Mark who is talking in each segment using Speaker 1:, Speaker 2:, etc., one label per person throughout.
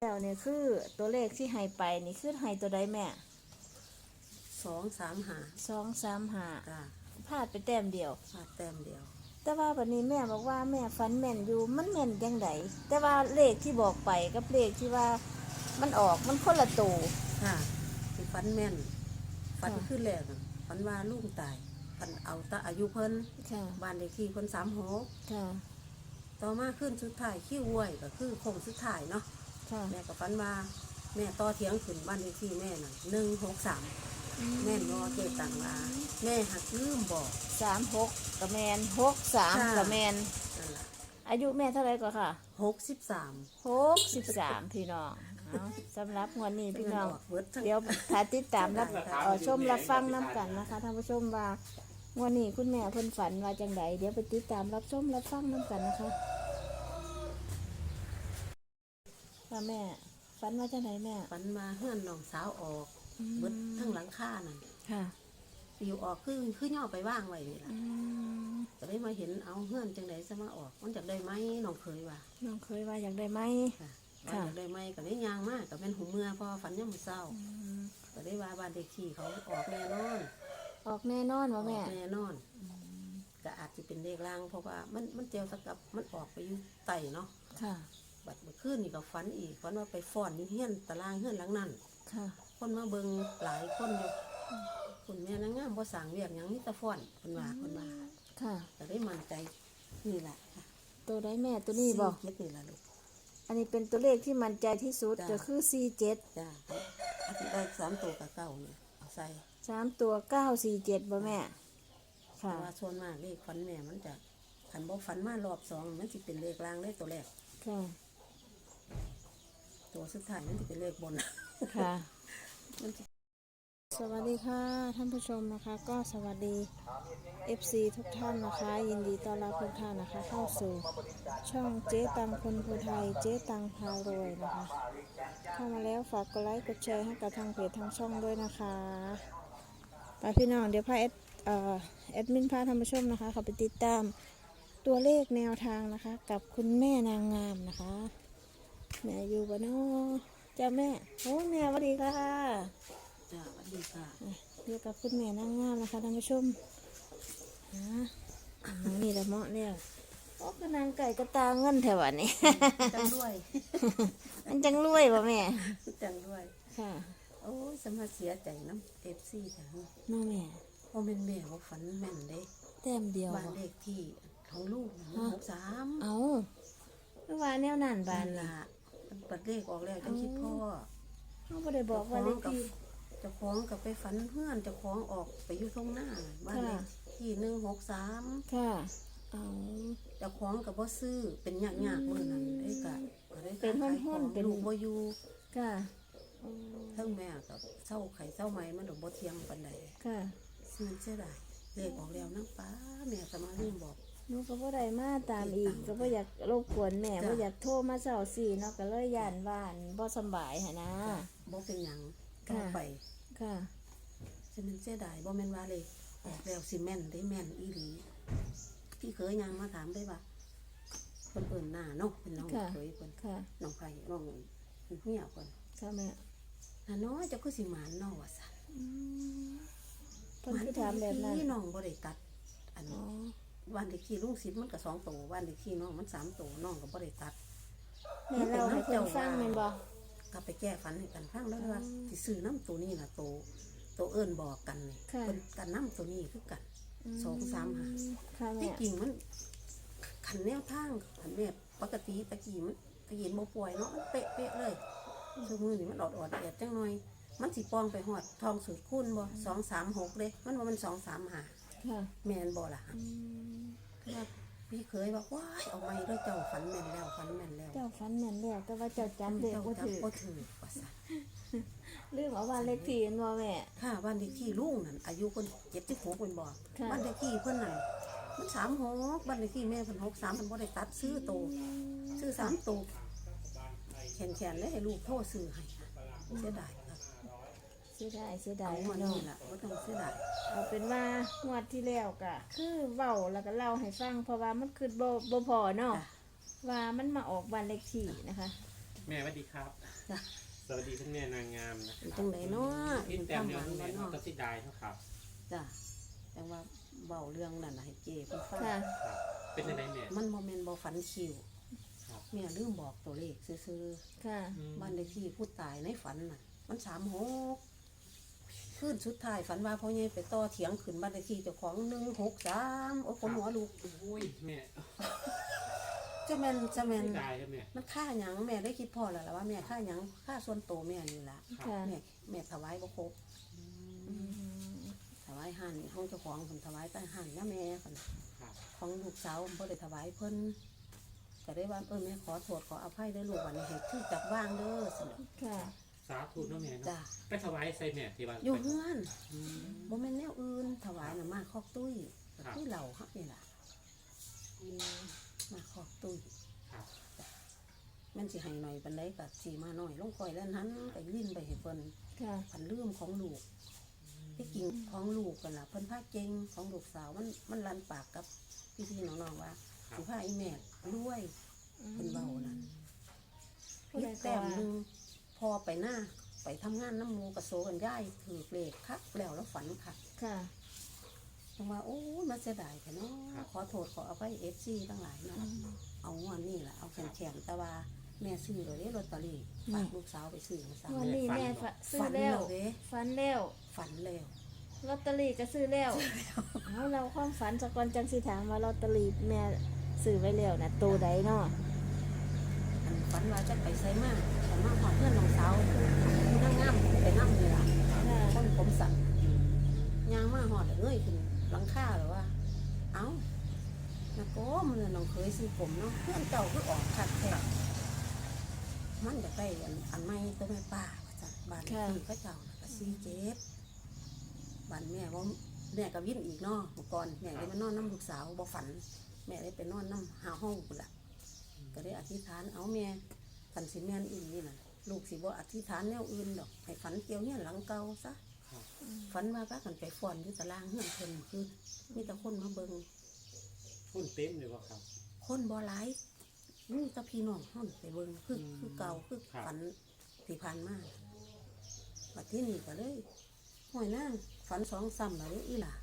Speaker 1: แล้วเนี่ยคือตัวเลขที่ให้ไปนี่คือให้ตัวใดแม่
Speaker 2: 2 3 5
Speaker 1: 2 3 5
Speaker 2: จ้า
Speaker 1: พลาดไปแต้มเดียว
Speaker 2: พลาดแต้มเดียว
Speaker 1: แต่ว่าวันนี้แม่บอกว่าแม่ฝันแม่นอยู่มันแม่นจังไดแต่ว่าเลขที่บอกไปกับเลขที่ว่ามันออกมันคนละตัว
Speaker 2: ค่ะสิฝันแม่นฝัน
Speaker 1: ค่ะ
Speaker 2: ขึ้นแรกน่ะฝันว่าลูกตายฝันเอาแตาอายุเพิ่น
Speaker 1: ค่ะ
Speaker 2: บ้านเลขที่เพิ่น36
Speaker 1: ค่ะ
Speaker 2: ต่อมาขึ้นสุดท้ายขี้ห้วยก็คือโค้งสุดท้ายเนาะ
Speaker 1: ค่ะ
Speaker 2: แม่ก็ฝันว่าแม่ต่อเถียงขึ้นบ้านเลขที่แม่น่ะ163แม่นบ่เจตังว่าแม่หักลืมบอก
Speaker 1: 36กะแมน63กะแมน
Speaker 2: นั่นล่ะ
Speaker 1: อายุแม่เท่าไหร่ก็ค่ะ
Speaker 2: 63
Speaker 1: 63พี่น้องเอาสำหรับงวดนี้พี่น้อง
Speaker 2: เบิดทั้ง
Speaker 1: เดี๋ยวถ้าติดตามรับชมรับฟังน้ำกันนะคะท่านผู้ชมว่างวันนี้คุณแม่เพิ่นฝันว่าจังไดเดี๋ยวไปติดตามรับชมรับฟังน้ำกันนะคะว่าแม่ฝันว่าจังไดแม่
Speaker 2: ฝันมาเฮือนน้องสาวออกเบิดทั้งหลังคานั่น
Speaker 1: ค่ะ
Speaker 2: อยู่ออกคือย่อไปว่างไว้นี่ล่ะ
Speaker 1: อืม
Speaker 2: ก็ได้มาเห็นเอาเฮือนจังได๋ซะมาออกมันจักได้ไหมน้องเคยว่า
Speaker 1: น้องเคยว่าอยากได้ไหม
Speaker 2: ค่ะ
Speaker 1: ค่ะ
Speaker 2: ว่าจักได้ไหมก็ได้ย่างมากก็แม่นหูเมื่อพอฝันยามมื้อเช้าก็ได้ว่าบ้านเด็กที่เขาออกแน่นอน
Speaker 1: ออกแน่นอนว่า
Speaker 2: อ
Speaker 1: แม่
Speaker 2: อกแน่นอนก็อาจสิเป็นเลขลางเพราะว่ามันเจียวตะกับมันออกไปอยู่ใต้เนาะ
Speaker 1: ค่ะ
Speaker 2: บัดเมื่อคืนนี่ก็ฝันอีกฝันว่าไปฟ้อนอยู่เฮือนตารางเฮือนหลังนั้น
Speaker 1: ค่ะ
Speaker 2: คนมาเบิ่งหลายคนอยู่คุณแม่นางงามบ่สร้างเวียกหยังมีแต่ฟ้อนเพิ่นว่า
Speaker 1: ค่ะ
Speaker 2: ก็ได้มั่นใจนี่แหละค่ะ
Speaker 1: ตัวได้แม่ตัวนี้บอก
Speaker 2: เจ็ดนี่ล่ะลูก
Speaker 1: อันนี้เป็นตัวเลขที่มั่นใจที่สุด
Speaker 2: จ้ะ
Speaker 1: ก็คือ47
Speaker 2: จ้าอาทิตย์ได้3ตัวกับเก้าเนี่ยเอาใส่
Speaker 1: 3ตัว947บ่แม่
Speaker 2: เพ
Speaker 1: ค่ะ
Speaker 2: ราะว่าส่วนมากเลขฝันแม่มันจะขันบ่ฝันมารอบสองมันสิเป็นเลขล่างเลขตัวแรก
Speaker 1: ค่ะ
Speaker 2: ตัวสุดท้ายมันสิเป็นเลขบน
Speaker 1: ค่ะ
Speaker 2: มันสิ
Speaker 1: สวัสดีค่ะท่านผู้ชมนะคะก็สวัสดี FC ทุกท่านนะคะ ยินดีต้อนรับทุกท่านนะคะ เข้าสู่ช่องเจ๊ตังคนภูไทยเจ๊ตังพารวยนะคะ เข้ามาแล้วฝากกดไลค์กดแชร์ให้กับทางเพจทางช่องด้วยนะคะไปพี่น้องเดี๋ยวพาแอดมินพาท่านผู้ชมนะคะเขาไปติดตามตัวเลขแนวทางนะคะ กับคุณแม่นางงามนะคะแม่อยู่บ้านนอกจ้าแม่โอ้แม่สวัสดีค่ะ
Speaker 2: จ้าสวัสดีค่ะ
Speaker 1: เรียกกับคุณแม่นางงามนะคะท่านผู้ชมนี่ละเหมาะแล้วโอ้ก็นางไก่กระตาเงินแถวนี้
Speaker 2: จังด้วย
Speaker 1: มันจังรวยป่ะแม่
Speaker 2: จังด้วย
Speaker 1: ค่ะ
Speaker 2: โอ้ยสมาเสียใจน้ำ FC จ้ะ
Speaker 1: น้องแม่
Speaker 2: เพราะแม่นแม่บ่ฝันแม่นเด้
Speaker 1: แต้มเดียว
Speaker 2: บ้าน
Speaker 1: บ่
Speaker 2: เลขที่ของลูก63
Speaker 1: เอาไม่ว่าแนวนั่นบา
Speaker 2: บ้าน น
Speaker 1: ล่ะ
Speaker 2: ล่ะมันเปิดเลขออกแล้วจังคิดพ่อ
Speaker 1: เขาไม่ได้บอกว่าเลขที่
Speaker 2: เจ้าของกับไปฝันเพื่อนเจ้าของออกไปอยู่ตรงหน้าบ้านเลขที่163
Speaker 1: ค่ะเอา
Speaker 2: เจ้าของกับบ่ซื้อเป็นยากๆมื้อนั้นได้ก็ได้
Speaker 1: เป็น
Speaker 2: ขายข
Speaker 1: ห้
Speaker 2: อ
Speaker 1: อง นๆเป็น
Speaker 2: ลูกบ่อยู่
Speaker 1: ค่ะอืม
Speaker 2: ทั้งแม่กับเศร้าไข่เศร้าไหม้มันดอกบ่เที่ยงปานใด
Speaker 1: ค่ะ
Speaker 2: มันเสียดายเลขออกแล้วนางป้าแม่ก็มาลืมบอก
Speaker 1: หนูก็บ่ได้มาตามอีกก็บ่อยากรบกวนแม่
Speaker 2: จ้ะ
Speaker 1: บ่อยากโทรมาเช้าสี่เนาะก็เลยย่านบ้านบ่สำบายหั่นนะ
Speaker 2: บ่เป็นหยัง
Speaker 1: ค่ะ
Speaker 2: ต่อไป
Speaker 1: ค่ะ
Speaker 2: ฉะนั้นเสียดายบ่แม่นว่าเลยออกแล้วสิแม่นได้แม่นอีหลีพี่เคยยังมาถามได้ว่าเพิ่นเอิ้นหน้าเนาะเป็นน้อง
Speaker 1: ค่ะ
Speaker 2: เคยเพิ่น
Speaker 1: ค่ะ
Speaker 2: น้องไผน้องเหี่ยวเพิ่น
Speaker 1: ค่ะแม่
Speaker 2: น้าน้อยเจ้าคือสิหมานเนาะว่าซั่น
Speaker 1: อืมเพิ่นคือถามแบบนั้น
Speaker 2: พี่น้องบ่ได้ตัดอัน
Speaker 1: อ๋อ
Speaker 2: วันเลขที่ลุงศิษย์มันก็2ตัววันเลขที่น้องมัน3ตัวน้องก็บ่ได้ตัด
Speaker 1: แม่เล่าให้เพิ่นฟังแม่นบ่
Speaker 2: ก็ไปแก้ฝันให้กันฟังแล้วว่าสิซื้อน้ำตัวนี้น่ะตัวเอิ้นบอกกันนี่
Speaker 1: ค่ะ
Speaker 2: เพิ่นกันน้ำตัวนี้คือกัน2 3 5
Speaker 1: ค่ะแม่
Speaker 2: ที่จริงมันขันแนวทางขันแม่ปกติตะกี้มันตะกี้บ่ป่วยเนาะมันเป๊ะๆเลยซุมื้อนี้มันออดๆแอดจังหน่อยมันสิปองไปฮอดทองสุดคูณบ่2 3 6เด้มันว่ามัน2 3 5
Speaker 1: ค่ะ
Speaker 2: แม่นบ่ล่ะ
Speaker 1: อืม
Speaker 2: คือว่าพี่เคยบอกว้ายเอาไม้ด้วยเจ้าฝันแม่นแล้วฝันแม่นแล้ว
Speaker 1: เจ้าฝันแม่นแล้วแต่ว่าเจ้าจำเลข
Speaker 2: เจ้า
Speaker 1: บ่
Speaker 2: จับ
Speaker 1: ถูก
Speaker 2: บ่ถือว่าซั่น
Speaker 1: ลืมเอาว่าเลขที่แม่นบ่แม่
Speaker 2: ค่ะบ้านเลขที่ลุงนั่นอายุเพิ่น76เพิ่นบอก
Speaker 1: ค่ะ
Speaker 2: บ้านเลขที่เพิ่นนั่นมัน36บ้านเลขที่แม่เพิ่น63เพิ่นบ่ได้ตัดซื้อโตซื้อ3โตแขนๆเลยให้ลูกโทรซื้อให้ค่ะเสียดายครับ
Speaker 1: เสียดาย
Speaker 2: เอา
Speaker 1: พี่
Speaker 2: วัน
Speaker 1: น้อ
Speaker 2: นี้
Speaker 1: ง
Speaker 2: ล่ะบ่ต้องเสียดาย
Speaker 1: เอาเป็นว่างวดที่แล้วก็คือเว้าแล้วก็เล่าให้ฟังเพราะว่ามันคือบ่พอเนาะ
Speaker 2: จ้ะ
Speaker 1: ว่ามันมาออกบ้านเลขที่นะคะ
Speaker 3: แม่สวัสดีครับ
Speaker 2: จ้ะ
Speaker 3: สวัสดีท่านแม่นางงามนะค
Speaker 2: เป็น
Speaker 3: รับ
Speaker 2: จังไดเนาะ
Speaker 3: พี่แต้มเนี่ย
Speaker 2: เป็น
Speaker 3: แม่
Speaker 2: ความหวัง
Speaker 3: น้อง
Speaker 2: เนาะ
Speaker 3: ตัดสิดายเท่าครับ
Speaker 2: จ้ะแต่ว่าเบาเรื่องนั่นน่ะให้เจเพิ่นฟัง
Speaker 1: ค่ะ
Speaker 3: ครับ เป็นยังไงแม่
Speaker 2: มันบ่แม่นบ่ฝันคิว
Speaker 3: ครับ
Speaker 2: แม่ลืมบอกตัวเลขซื่อ
Speaker 1: ค่ะ
Speaker 2: ๆบ้านเลขที่ผู้ตายในฝันน่ะมัน36คืนสุดท้ายฝันว่าพ่อใหญ่ไปต่อเถียงขึ้นบ้านเลขที่เจ้าของ163โอ้คนหัวลูก
Speaker 3: โอ้ยแม่
Speaker 2: จะแม่น
Speaker 3: เสียดายครับแม่
Speaker 2: มันค่าหยังแม่ได้คิดพอแล้วล่ะว่าแม่ค่าหยังค่าส่วนตัวแม่นี่ล่ะ
Speaker 1: ค่ะ
Speaker 2: แม่ถวายบ่ครบ
Speaker 1: อืม
Speaker 2: ถวายห่านห้องเจ้าของผมถวายแต่ห่านย่าแม่คน
Speaker 3: ครับ
Speaker 2: ของลูกสาวผมบ่ได้ถวายเพิ่นก็ได้ว่าแม่ขอโทษขออภัยเด้อลูกวันนี้ให้ชื่อจับว่างเด้อสิ
Speaker 1: ค่ะ
Speaker 3: สาธุเนาะแม่
Speaker 2: จ้า
Speaker 3: เนาะไปถวายใส่แม่ที่บ้าน
Speaker 2: อยู่เฮือน
Speaker 3: อืม
Speaker 2: บ่แม่นแนวอื่นถวายน่ะมาคอกตุ้ย
Speaker 3: ครับ
Speaker 2: ตุ้ยเหล่าครับนี่ล่ะมาคอกตุ้ย
Speaker 3: ครับ
Speaker 2: แม่นสิให้หน่อยปานใดก็สิมาหน่อยลงค่อยแล้วนั้นก็ลิ้นไปให้เพิ่น
Speaker 1: ค่ะ
Speaker 2: พันลืมของลูกที่จริงของลูกกันล่ะเพิ่นพาเก่งของลูกสาวมันลันปากกับพี่ๆน้องๆว่า
Speaker 3: ครับ
Speaker 2: สิพาอีแม่รวยเพิ่นเว้านั่น
Speaker 1: ผู้
Speaker 2: พิ
Speaker 1: ใด
Speaker 2: ษ
Speaker 1: ก็
Speaker 2: แต้ม
Speaker 1: ว่า
Speaker 2: หนึงพอไปหน้าไปทำงานน้ำหมูกระโซกันย่ายถือเลขคักแล้วฝันคัก
Speaker 1: ค่ะ
Speaker 2: จังว่าโอ้ยมันเสียดายแท้เนาะขอโทษขออภัยFCทั้งหลายเนาะเอางวดนี้ล่ะเอาแข็งๆแต่ว่าแม่ซื้อเลยลอตเตอรี่ฝากลูกสาวไปซื้อมาซ้ำ
Speaker 1: วันนี้แม่ซื้อ
Speaker 2: ฝัน
Speaker 1: แล้ว
Speaker 2: เด้
Speaker 1: ฝันแล้ว
Speaker 2: ฝันแล้ว
Speaker 1: ลอตเตอรี่ก็ซื้อแล้วเอาเราความฝันสกอนจังสิถามว่าลอตเตอรี่แม่ซื้อไว้แล้วนะตัวใดเนาะ
Speaker 2: อันฝันว่าจะไปไซมาแต่มาหอดเพื่อนน้องสาวนั่งงามไปนั่งเลยล่ะ
Speaker 1: ค่ะ
Speaker 2: คนผมสั่นยางมาหอดเอ้ยขึ้นหลังคาหรือว่า เอ้านะโก้มันน้องเคยซื้อผมเนาะเพื่อนเก่าคือออกคัดแท้มันจะได้อันใหม่ตัวแม่ป้าว่าจันบ้านที่เขาเจ้าน่ะก็47บ้านแม่ว่าแม่ก็วิ่งอีกเนาะเมื่อก่อนแม่ได้มานอนน้ำลูกสาวบ่ฝัน แม่ได้ไปนอนน้ำหาห้องกูนละก็ได้อธิษฐานเอาแม่กันสิแม่นอื่นนี่น่ะลูกสิบ่อธิษฐานแนวอื่นดอกให้ฝันเกี่ยวเนี่ยหลังเก่าซะ
Speaker 3: ครับ
Speaker 2: ฝันว่าพากันไปฟ้อนอยู่ตารางเฮือนเพิ่นคือมีแต่คนมาเบิ่ง
Speaker 3: พุ่นเต็มเลยว่าครับ
Speaker 2: คนบ่หลายนี่แต่พี่น้องเฮานี่ไปเบิ่งคือ
Speaker 3: อืม
Speaker 2: คือเก่าคือ
Speaker 3: ครับ
Speaker 2: ฝันที่ผ่านมาบัดที่นี่ก็เลยห้วยนางฝัน2ซ้ำแล้วเด้ออีหล่ะ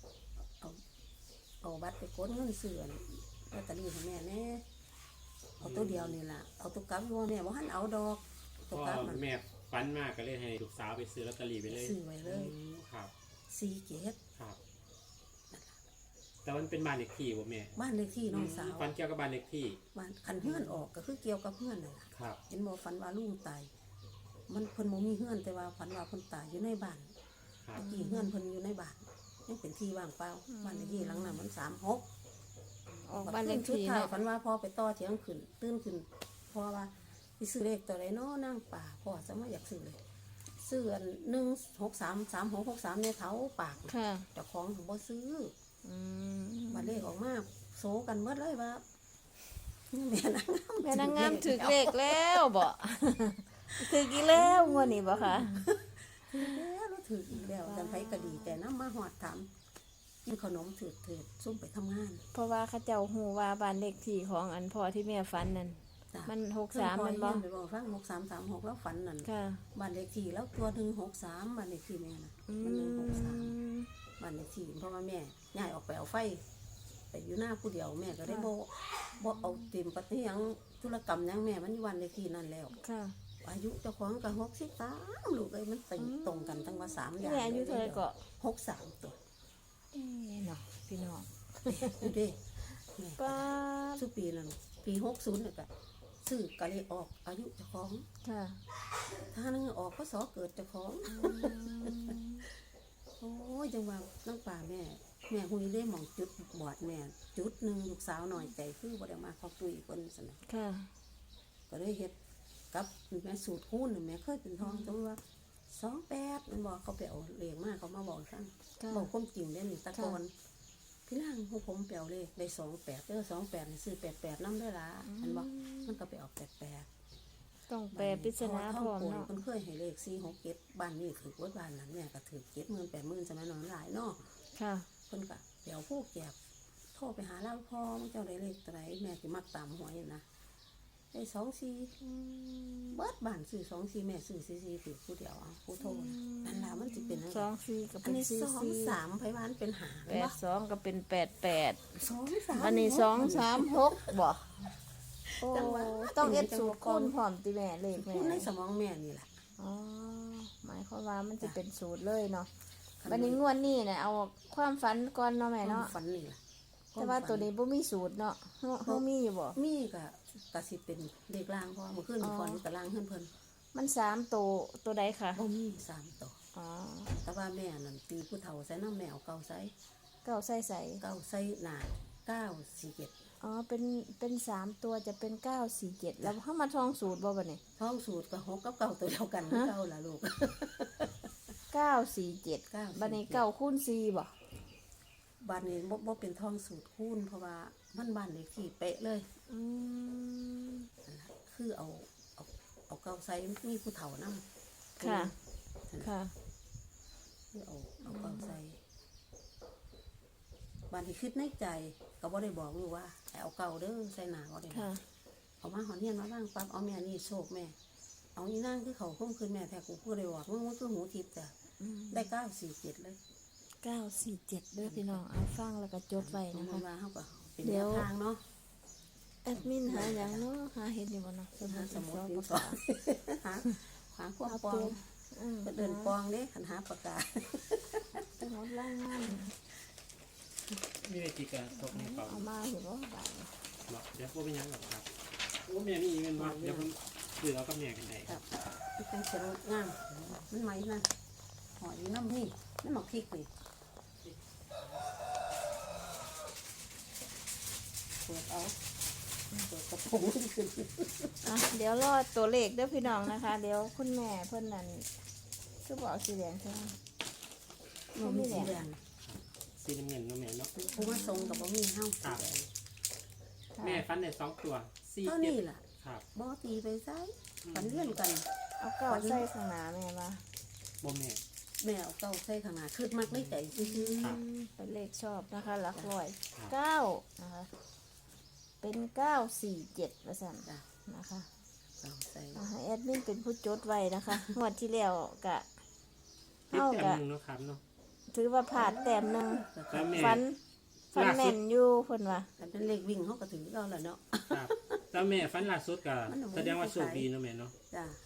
Speaker 2: เอาบัตรไปกดเงินซื้ออันลอตเตอรี่ให้แม่แน่เอาตัวเดียวนี่ล่ะเอาตัวกลับว่าแม่บ่ทันเอาดอกตัว
Speaker 3: ก็
Speaker 2: กลับมัน
Speaker 3: แม่ฟันมากก็เลยให้ลูกสาวไปซื้อลอตเตอรี่ไปเลย
Speaker 2: ซื้อไว้เลย
Speaker 3: อืมครับ
Speaker 2: 47
Speaker 3: ครับ แต่มันเป็นบ้านเล็กที่บ่แม่
Speaker 2: บ้านเลขที่น้องสาว
Speaker 3: ฟันเกี่ยวกับบ้านเล็กที่
Speaker 2: บ้านคันเฮือนออกก็คือเกี่ยวกับเฮือนนั่นล่ะ
Speaker 3: ครับ
Speaker 2: เห็นบ่ฝันว่าลุงตายมันเพิ่นบ่มีเฮือนแต่ว่าฝันว่าเพิ่นตายอยู่ในบ้าน
Speaker 3: ครับ
Speaker 2: ตะกี้เฮือนเพิ่นอยู่ในบ้านยังเป็นที่ว่างเปล่าบ้านเลขที่หลังนั้นมัน36
Speaker 1: ออกบ้านเลขที่
Speaker 2: ท้าย
Speaker 1: เนาะ
Speaker 2: ฝันว่าพ่อไปต่อเถียงขึ้นตื่นขึ้นพ่อว่าสิซื้อเลขตัวใดเนาะนางป่าพ่อจะมาอยากซื้อเลยซื้ออัน1633663ในเท้าปาก
Speaker 1: ค่ะ
Speaker 2: เจ้าของบ่ซื้อ
Speaker 1: อืม
Speaker 2: บัดเลขออกมาโซกันหมดเลยว่าแม่นางงาม
Speaker 1: แม่นางงามถึกเลขแล้วบ่ถึกอีกแล้วงวดนี้บ่คะ
Speaker 2: แล้วเราถืออีกแล้วจันไผก็ดีแต่น้ำมาหอดถามกินขนมถือซุ่มไปทำงาน
Speaker 1: เพราะว่าเขาเจ้าฮู้ว่าบ้านเลขที่ของอันพ่อที่แม่ฝันนั่น
Speaker 2: จ้ะ
Speaker 1: มัน63มันบ่
Speaker 2: เพิ่นพอเฮียนไปบอกฟัง6336แล้วฝันนั่น
Speaker 1: ค่ะ
Speaker 2: บ้านเลขที่แล้วตัว163บ้านเลขที่แม่น่ะ
Speaker 1: อื
Speaker 2: มัน
Speaker 1: ม
Speaker 2: 163บ้านเลขที่เพราะว่าแม่ย้ายออกไปเอาไฟไปอยู่หน้าผู้เดียวแม่ก็ได้บ่เอาเต็มปฏิหยังธุรกรรมหยังแม่มันอยู่บ้านเลขที่นั่นแล้ว
Speaker 1: ค่ะ
Speaker 2: อายุเจ้าของก็63ลูกเอ้ยมันตรงกันตั้งว่า3อย่าง
Speaker 1: แม่อายุเท่าไหร่ก็
Speaker 2: 63ตัว
Speaker 1: เอ๊ะเนาะพี่น้อง
Speaker 2: ดูดิแม่
Speaker 1: ป้าบ
Speaker 2: สุปีนั้นปี60เนี่ยก็ซื้อกะเลยออกอายุเจ้าของ
Speaker 1: ค่ะ
Speaker 2: ถ้านึงออกพศเกิดเจ้าของโอ้ยจังว่าน้องป่าแม่หุยได้หมองจุดบอดแม่จุดหนึ่งลูกสาวหน่อยใจคือบ่ได้มาขอตุยเพิ่นซั่นน่ะ
Speaker 1: ค่ะ
Speaker 2: ก็เลยเฮ็ดกับแม่สูตรคูณน่ะแม่เคยเป็นทองตัวว่า28มันบอกเขาไปเอาเลขมาเขามาบอกซั่น
Speaker 1: ค่ะ
Speaker 2: บอกความจริงเด้นี่ตะกอนพี่ล่างของผมแปลวเลขได้28เด้อ28นี่ซื้อ88นำได้ล่ะอันบอกมันก็ไปออก88
Speaker 1: ต้องแปลปริศนาพร้อม
Speaker 2: เนาะ
Speaker 1: เนาะ
Speaker 2: มันเคยให้เลข4 6 7บ้านนี้ถือว่าบ้านนั้นเนี่ยก็ถือ70,000 80,000สมัยนั้นหลายเนาะ
Speaker 1: ค่ะ
Speaker 2: เพิ่นก็เดี๋ยวผู้แก็บโทรไปหาเล่าพ่อมึงเจ้าได้เลขตัวไหนแม่สิมักตามหวยนะได้24
Speaker 1: อืม
Speaker 2: เบิดบ้านซื้อ24แม่ซื้อ44ถือผู้เดียวเอาผู้โทรนั่นล่ะมันสิเป็นจัง
Speaker 1: ส
Speaker 2: ได๋
Speaker 1: องสี่ก็
Speaker 2: อั
Speaker 1: เป็น น
Speaker 2: นี้
Speaker 1: สี่
Speaker 2: 2
Speaker 1: สี่
Speaker 2: 3ไผว่ามันเป็นหา
Speaker 1: แปดสองก็เป็นแปดแปด
Speaker 2: 2 3
Speaker 1: อันนี้สองสามหกบ่โอ้
Speaker 2: จังหวะ
Speaker 1: ต้องเอ็ดสูตรคูณพร้อมติแม่เลขแม่
Speaker 2: พูดในสมองแม่นี่ล่ะ
Speaker 1: อ๋อหมายความว่ามันจะเป็นสูตรเลยเนาะบัดนี้งวดนี้เนี่ยเอาความฝันก่อนเนาะแม่เนาะ
Speaker 2: ฝันนี่ล่ะ
Speaker 1: แต่ว่าตัวนี้บ่มีสูตรเนาะเฮามีอยู่บ่
Speaker 2: มีก็สิเป็นเลขล่างเพราะว่าเมื่อคืนมีฝันกับล่างเพิ่น
Speaker 1: มันสามตัวใดค่ะ
Speaker 2: บ่มี3ตัว
Speaker 1: อ๋อ
Speaker 2: แต่ว่าแม่นั่นตีผู้เฒ่าใส่น้ำแมวเก่าใส่
Speaker 1: เก้าใส่ใส่
Speaker 2: เก่าใส่หนา947
Speaker 1: อ๋อเป็นสามตัวจะเป็น947แล้วเฮามาท่องสูตรบ่บัดนี้
Speaker 2: ท้องสูตรก็6กับเก่าตัวเดียวกันคือเก่าล่ะลูก
Speaker 1: 947บัดนี้9คูณ4บ่
Speaker 2: บ้านนี้บ่เป็นท้องสูตรคูณเพราะว่ามันบ้านเลขที่เป๊ะเลย
Speaker 1: อืม
Speaker 2: นั่นล่ะคือเอาเก่าใส่มีผู้เฒ่านำ
Speaker 1: ค่ะ ค่ะ
Speaker 2: คือเอาเก่าใส่บ้านที่คิดในใจก็บ่ได้บอกลูกว่าให้เอาเก่าเด้อใส่หน้าก็ได้
Speaker 1: ค่ะ
Speaker 2: เอามาหอนเฮียนมาบ้างปั๊บเอาแม่นี่โชคแม่ เอาอีนั่งคือเขาคุ้มคืนแม่แท้กูพูดได้บอกมึงมันคือหูทิพย์จ้ะ
Speaker 1: อืม
Speaker 2: ได้947เลย
Speaker 1: 947เด้อพี่น้องเอาฟังแล้วก็จดไว้
Speaker 2: มั
Speaker 1: นะ
Speaker 2: น
Speaker 1: คะ
Speaker 2: มาเฮาก็เป็น
Speaker 1: เดี๋
Speaker 2: แน
Speaker 1: ยว
Speaker 2: วทางเนาะ
Speaker 1: แอดมินหาอย่างเนาะหาเห็นอยู่บ่เนาะสมุ
Speaker 2: หา
Speaker 1: ด
Speaker 2: สมุด
Speaker 1: สอง
Speaker 2: ดิน
Speaker 1: ปาก
Speaker 2: สอก
Speaker 1: า
Speaker 2: หาความ
Speaker 1: เอา
Speaker 2: ปอ
Speaker 1: ตั
Speaker 2: ง
Speaker 1: วอืม
Speaker 2: เพิ่นเดินปองเด้คันหาปากกา
Speaker 1: สมุดล่างงาน
Speaker 3: มีอะไรกี่กระตกในเป่า
Speaker 1: เอามาเห็นว่าบาท
Speaker 3: เนาะเดี๋ยวพวกเป็นหยังหรอกครับโอ้แม่มีเงินมาเดี๋ยวผมซื้อเอากับแม่กันได้
Speaker 2: ครับมันเป็นเสียงงามมันไหมนั่นหอยน้ำนี่น้ำหมักพริกนี่เปิดเอาเปิดกระปุกขึ้น
Speaker 1: อ่ะเดี๋ยวรอตัวเลขเด้อพี่น้องนะคะ เดี๋ยวคุณแม่เพิ่นนั่นคือบอกสีแดงใช่ไหม
Speaker 2: มันมีสีแดง
Speaker 3: สีน้ำเงินเนาะแม่เนาะ
Speaker 2: ผู้มาทรงกับบ่มีเฮาสีแดง
Speaker 3: แม่ฟันได้2ตัว4
Speaker 2: เท่า
Speaker 3: 7
Speaker 2: นี้ล่ะ
Speaker 3: ครับ
Speaker 2: บ่ตีไปไซฝันเลื่อนกัน
Speaker 1: เอาเก้าใส่ข้างหน้าแม่มา
Speaker 3: บ่แม่
Speaker 2: แม่เอาเก้าใส่ข้างหน้าคือมักในใจซื่อ
Speaker 3: ครับ
Speaker 1: เป็นเลขชอบนะคะหลักร้อย
Speaker 3: ครับ
Speaker 1: 9นะคะเป็น947ว่าซั่น
Speaker 2: ๆจ้ะ
Speaker 1: นะคะ
Speaker 2: เก้าใส่
Speaker 1: อ่ะให้แอดมินเป็นผู้จดไว้นะคะงวดที่แล้วกะ
Speaker 3: ติด
Speaker 1: เฮา
Speaker 3: แต้ม
Speaker 1: กะ
Speaker 3: หนึงเนาะครับเนาะ
Speaker 1: ถือว่าผ่านแต้มหนึง
Speaker 3: แล้วแม่
Speaker 1: ฟัน
Speaker 3: ล่าสุด
Speaker 1: แม่นอยู่เพิ่นว่า
Speaker 2: กันเป็นเลขวิ่งเฮาก็ถือเอาล่ะเนาะ
Speaker 3: ครับแล้วแม่ฟันล่าสุดก็
Speaker 2: มันเอาไว้
Speaker 3: แสดงว่าโชคดีเนาะแม่เนาะ
Speaker 2: จ้ะ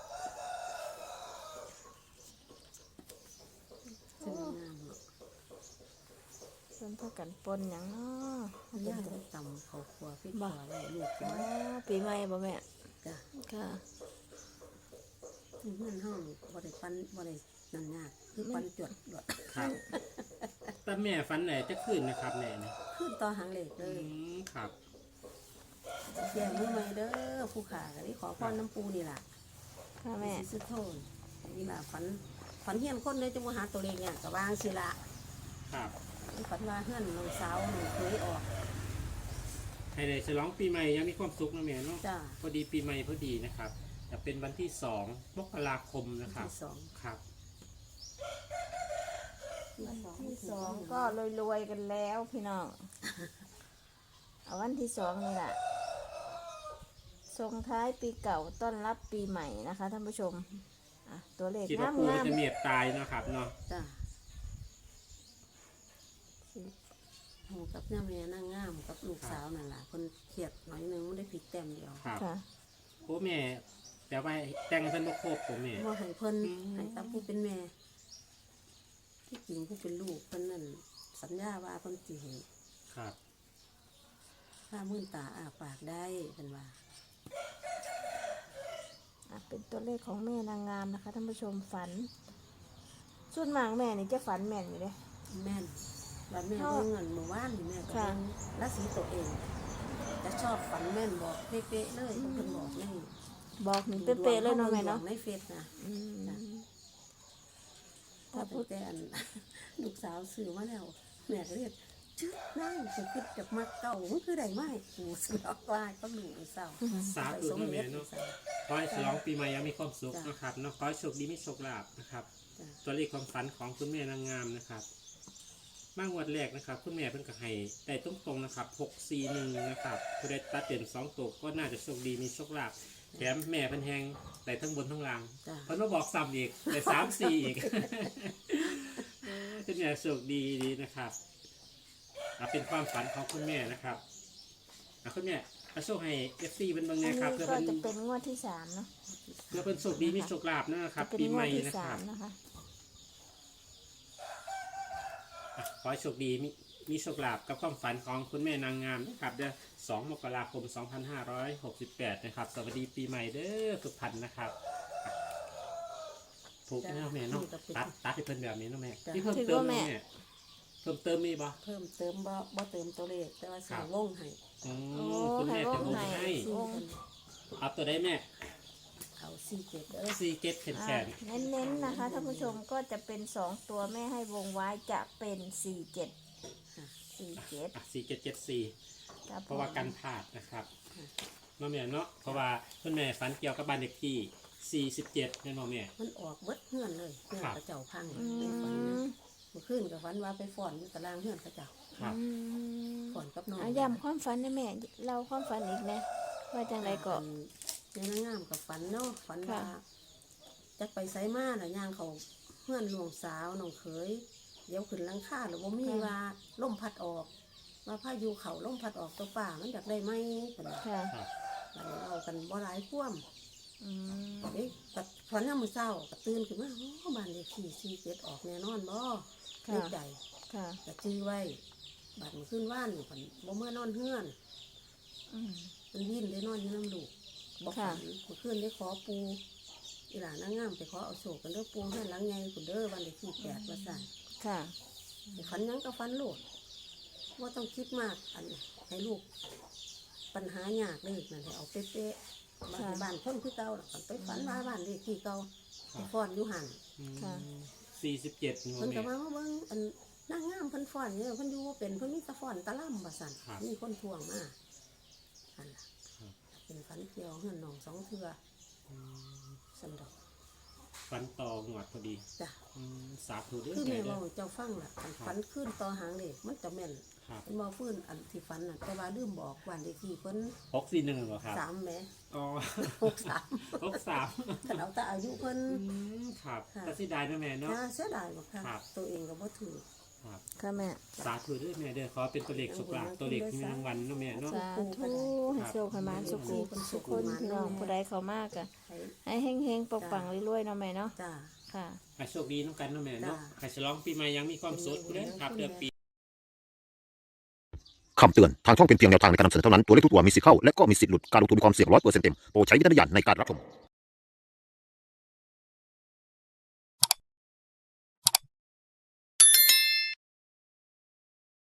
Speaker 2: ซึ่งงามเนาะ
Speaker 1: เพิ่นพากันปนหยังเนาะ
Speaker 2: ย่าได้ตำข้าวคั่วพริกขัวไว้ลูกกิน
Speaker 1: อ๋อปีใหม่บ่แม่
Speaker 2: จ้ะ
Speaker 1: ค่ะ
Speaker 2: ที่เฮือนเฮานี่บ่ได้ปั้นบ่ได้นั่นยากคือปั้นจวดดวด
Speaker 3: ครับแต่แม่ฟันไหนจะขึ้นนะครับแม่เนี่ย
Speaker 2: ขึ้นต่อหางเหล็กเล
Speaker 3: อื
Speaker 2: ย
Speaker 3: มครับ
Speaker 2: เสียมือใหม่เด้อผู้ขาก็ได้ขอพรน้ำปูนี่ล่ะ
Speaker 1: ค่ะแม่
Speaker 2: สิสุดโทนนี่ล่ะฝันเฮียนคนเลยจะมาหาตัวเลขเนี่ยก็วางสิละ
Speaker 3: ครับ
Speaker 2: ฝันว่าเฮือนน้องสาวหนูเคยออก
Speaker 3: ให้ได้ฉลองปีใหม่ยังมีความสุขนะแม่เนาะ
Speaker 2: จ้า
Speaker 3: พอดีปีใหม่พอดีนะครับจะเป็นวันที่2 มกราคมนะครับ
Speaker 2: ที่สอง
Speaker 3: ครับ
Speaker 1: ที่สองก็รวยๆกันแล้วพี่น้อง เอาวันที่สองนี่แหละส่งท้ายปีเก่าต้อนรับปีใหม่นะคะท่านผู้ชมอ่ะตัวเลข
Speaker 3: คิด
Speaker 1: งา
Speaker 3: ว่าม ปู
Speaker 1: งาม
Speaker 3: จะเมียบตายเนาะครับเนาะ
Speaker 2: จ้าโหกับย่าแม่นั่งงามกับลูกสาวนั่นล่ะคนเครียดหน่อยหนึงมันได้ผิดแต้มเดียว
Speaker 3: ครับ
Speaker 1: ค่ะ
Speaker 3: โอ้แม่แต่ว่าแต่งเพิ่นบ่ครบผมแม่
Speaker 2: ว่าให้เพิ่น
Speaker 3: อืม
Speaker 2: ให้ตาผู้เป็นแม่ ที่จริงผู้เป็นลูกเพิ่นนั่นสัญญาว่าเพิ่นสิให้
Speaker 3: ครับ
Speaker 2: ถ้ามื่นตาอาปากได้เป็นว่า
Speaker 1: อ่ะเป็นตัวเลขของแม่นางงามนะคะท่านผู้ชมฝัน ส่วนมากแม่นี่จะฝันแม่นอยู่เลย
Speaker 2: แม่นวันแม่ได้เงินเมื่อวานนี่แม่ก็
Speaker 1: ค่ะ
Speaker 2: เบิ่งราศีตัวเอง จะชอบฝันแม่นบอกเป๊ะๆเลยเพิ่นบอกนี่
Speaker 1: บอกหนึ่งเป๊ะๆเลยเนาะแม่เนาะ
Speaker 2: ในเฟซนะ
Speaker 1: อืม
Speaker 2: ถ้าเป็นแต่อัน ลูกสาวซื้อมาแล้วแม่ก็เรียกชื่อนั่งสิคิดจากมักเก่ามันคือได้ไหมกูสลอกว่าก็หนูเศร้า
Speaker 3: สาธุนะแม่เนาะ
Speaker 2: สมด็จ
Speaker 3: ขอให้ฉลองปีใหม่ยังมีความสุข
Speaker 2: จ้ะ
Speaker 3: นะครับเนาะขอให้โชคดีมีโชคลาภนะครับ
Speaker 2: จ้ะ
Speaker 3: ตัวเลขความฝันของคุณแม่นางงามนะครับมางวดแรกนะครับคุณแม่เพิ่นก็ให้ได้ตรงๆนะครับ641นะครับผู้ใดตัดเป็น2ตัวก็น่าจะโชคดีมีโชคลาภแถมแม่เพิ่นแฮงได้ทั้งบนทั้งล่าง
Speaker 2: จ้ะ
Speaker 3: เพิ่นมาบอกซ้ำอีกได้3-4อีกคุณแม่โชคดีดีนะครับเป็นความฝันของคุณแม่นะครับคุณแม่เอาโชคให้ FC เพิ่นเบิ่ง
Speaker 1: อัน
Speaker 3: แน่
Speaker 1: นี้
Speaker 3: ครับเพื่อ
Speaker 1: ก็
Speaker 3: เพิ่น
Speaker 1: จะเป็นงวดที่สามเนาะ
Speaker 3: เพื่อเพิ่นโชคดีมีโชคลาภนะครับ
Speaker 1: เป็น
Speaker 3: ปี
Speaker 1: ง
Speaker 3: ให
Speaker 1: วด
Speaker 3: ม่
Speaker 1: ที่
Speaker 3: นะค
Speaker 1: สา
Speaker 3: รั
Speaker 1: ม
Speaker 3: บ
Speaker 1: นะคะ
Speaker 3: ขอให้โชคดีมีโชคลาภกับความฝันของคุณแม่นางงามนะครับเดือน2 มกราคม 2568 นะครับ สวัสดีปีใหม่เด้อทุกท่านนะครับถูกแน่แม่เนาะตัดให้เพิ่นแบบนี้เนาะแม่ที่เพิ่มเติมแม่เพิ่มเติมมีบ่
Speaker 2: เพิ่มเติมบ่เติมตัวเลขแต่ว่าใส่วงให้
Speaker 3: คุณแม่จะลงให้
Speaker 1: วง
Speaker 3: เอาตัวได้แม่
Speaker 2: เอา47เด้อ
Speaker 3: ซีเก็ตแขน
Speaker 1: เน้นๆนะคะท่านผู้ชมก็จะเป็น2ตัวแม่ให้วงไว้จะเป็น47
Speaker 3: 4774
Speaker 1: ครับ
Speaker 3: เพราะว่ากันพลาดนะครับเนาะแม่เนาะเพราะว่าคุณแม่ฝันเกี่ยวกับบ้านเด็กที่47เนี่ยเนาะแม่
Speaker 2: มันออกเบิดเฮือนเลยเฮือน
Speaker 3: ครับ
Speaker 2: กระเจ้าพัง
Speaker 1: อื
Speaker 2: ในฝัน
Speaker 1: ม
Speaker 2: นะเมื่อคืนกับฝันว่าไปฟ้อนอยู่ตารางเฮือนกระเจ้า
Speaker 3: ครับ
Speaker 2: ฟ้อนกับน้อง
Speaker 1: ย้ำความฝันนะแม่เราความฝันอีกนะว่าจังไรก็
Speaker 2: ในนางงามกับฝันเนาะฝันว่า
Speaker 1: ค่ะ
Speaker 2: จักไปไสมาน่ะย่างเขาเฮือนหลวงสาวน้องเขยเดี๋ยวขึ้นหลังคาหรือว่ามีว่าล่มพัดออกว่าพายุเขาล่มพัดออกตัวป่ามันอยากได้ไหมเพิ่นว่า
Speaker 1: ค่ะ
Speaker 3: ครับ
Speaker 2: บัดนี้เอากันบ่หลายพ่วม
Speaker 1: อืม
Speaker 2: เอ๊ะกัดฝันยามมื้อเช้าก็ตื่นขึ้นมาโอ้บ้านเลขที่47ออกแน่นอนบ่ใน
Speaker 1: ค่ะ
Speaker 2: ใจ
Speaker 1: ค่ะ
Speaker 2: ก็จื้อไว้บัดมื้อคืนว่านเพิ่นบ่เมื่อนอนเฮือน
Speaker 1: อืม
Speaker 2: มันวิ่นได้นอนอยู่น้ำลูกบ่
Speaker 1: ค่ะ
Speaker 2: ฝันมื้อคืนได้ขอปูอีหลานนางงามไปขอเอาโศกกันเด้อปูเฮือนหลังใหญ่พุ่นเด้อบ้านเลขที่8ว่าซั่น
Speaker 1: ค่ะ
Speaker 2: ฝันหยังก็ฝันโลดบ่ต้องคิดมากอันให้ลูกปัญหายากเลยนั่นให้เอาเป๊ะๆบ้านบ้านคนคือเก่าล่ะไปฝันว่าบ้านเลขที่เก่าไปฟ้อนอยู่หั่น
Speaker 1: ค่ะ
Speaker 3: 47นี่
Speaker 2: เพิ่นก็
Speaker 3: แม่
Speaker 2: มาเบิ่งอันนางงามเพิ่นฟ้อนเนี่ยเพิ่นอยู่บ่เป็นเพิ่นมีแตะฟ้อนตะล่ำว่าซั่น
Speaker 3: ครับ
Speaker 2: มีคนทวงมาอันล่ะ
Speaker 3: ครับ
Speaker 2: เป็นฝันเกี่ยวเฮือนน้องสองเทื่อสันดอก
Speaker 3: ฝันต่อหวดพอดี
Speaker 2: จ้ะ
Speaker 3: สาธุเด้อ
Speaker 2: คือ
Speaker 3: แม่
Speaker 2: แม่
Speaker 3: เด้อ
Speaker 2: เว้าเจ้าฟังล่ะอันฝันขึ้นต่อหางเลขมันจะแม่น
Speaker 3: ครับ
Speaker 2: มันบ่ฟื้นอันที่ฝันน่ะแต่ว่าลืมบอกวันเลขที่เพิ่น
Speaker 3: 641เหรอครับ
Speaker 2: 3แหม
Speaker 3: อ๋อ
Speaker 2: 63
Speaker 3: 63
Speaker 2: คันเอาแต่อายุเพิ่น
Speaker 3: ครับ
Speaker 2: ค่ะ
Speaker 3: แต่เสิดายนะแม่เนาะ
Speaker 2: น่าเสียดายบ่ค่ะ
Speaker 3: ครับ
Speaker 2: ตัวเองก็บ่ถือ
Speaker 3: ครับ
Speaker 1: ค่ะแม่
Speaker 3: สาธุเด้อแม่เด้อขอเป็นตัวเลขสุขลาภตัวเลขมีรางวัลเนาะแม่เนาะ
Speaker 1: สาธุให้โชคให้หมานสุขุสุขคนพี่น้องผู้ใดเขามากอะ
Speaker 2: ให้
Speaker 1: ให้เฮงๆปกปังรวยๆเนาะแม่เนาะ
Speaker 2: จ้า
Speaker 1: ค่ะ
Speaker 3: ให้โชคดีน้องกันเนาะแม่เนาะ
Speaker 2: จ้ะ
Speaker 3: ให้ฉลองปีใหม่ยังมีความสุขเด้อครับเดือนปี
Speaker 4: คำเตือน ทางช่องเป็นเพียงแนวทางในการนำเสนอเท่านั้น ตัวเลขทุกตัวมีสิทธิ์เข้า และก็มีสิทธิ์หลุด การลงทุนมีความเสี่ยง100%เต็ม โปรดใช้วิจารณญาณในการรับชม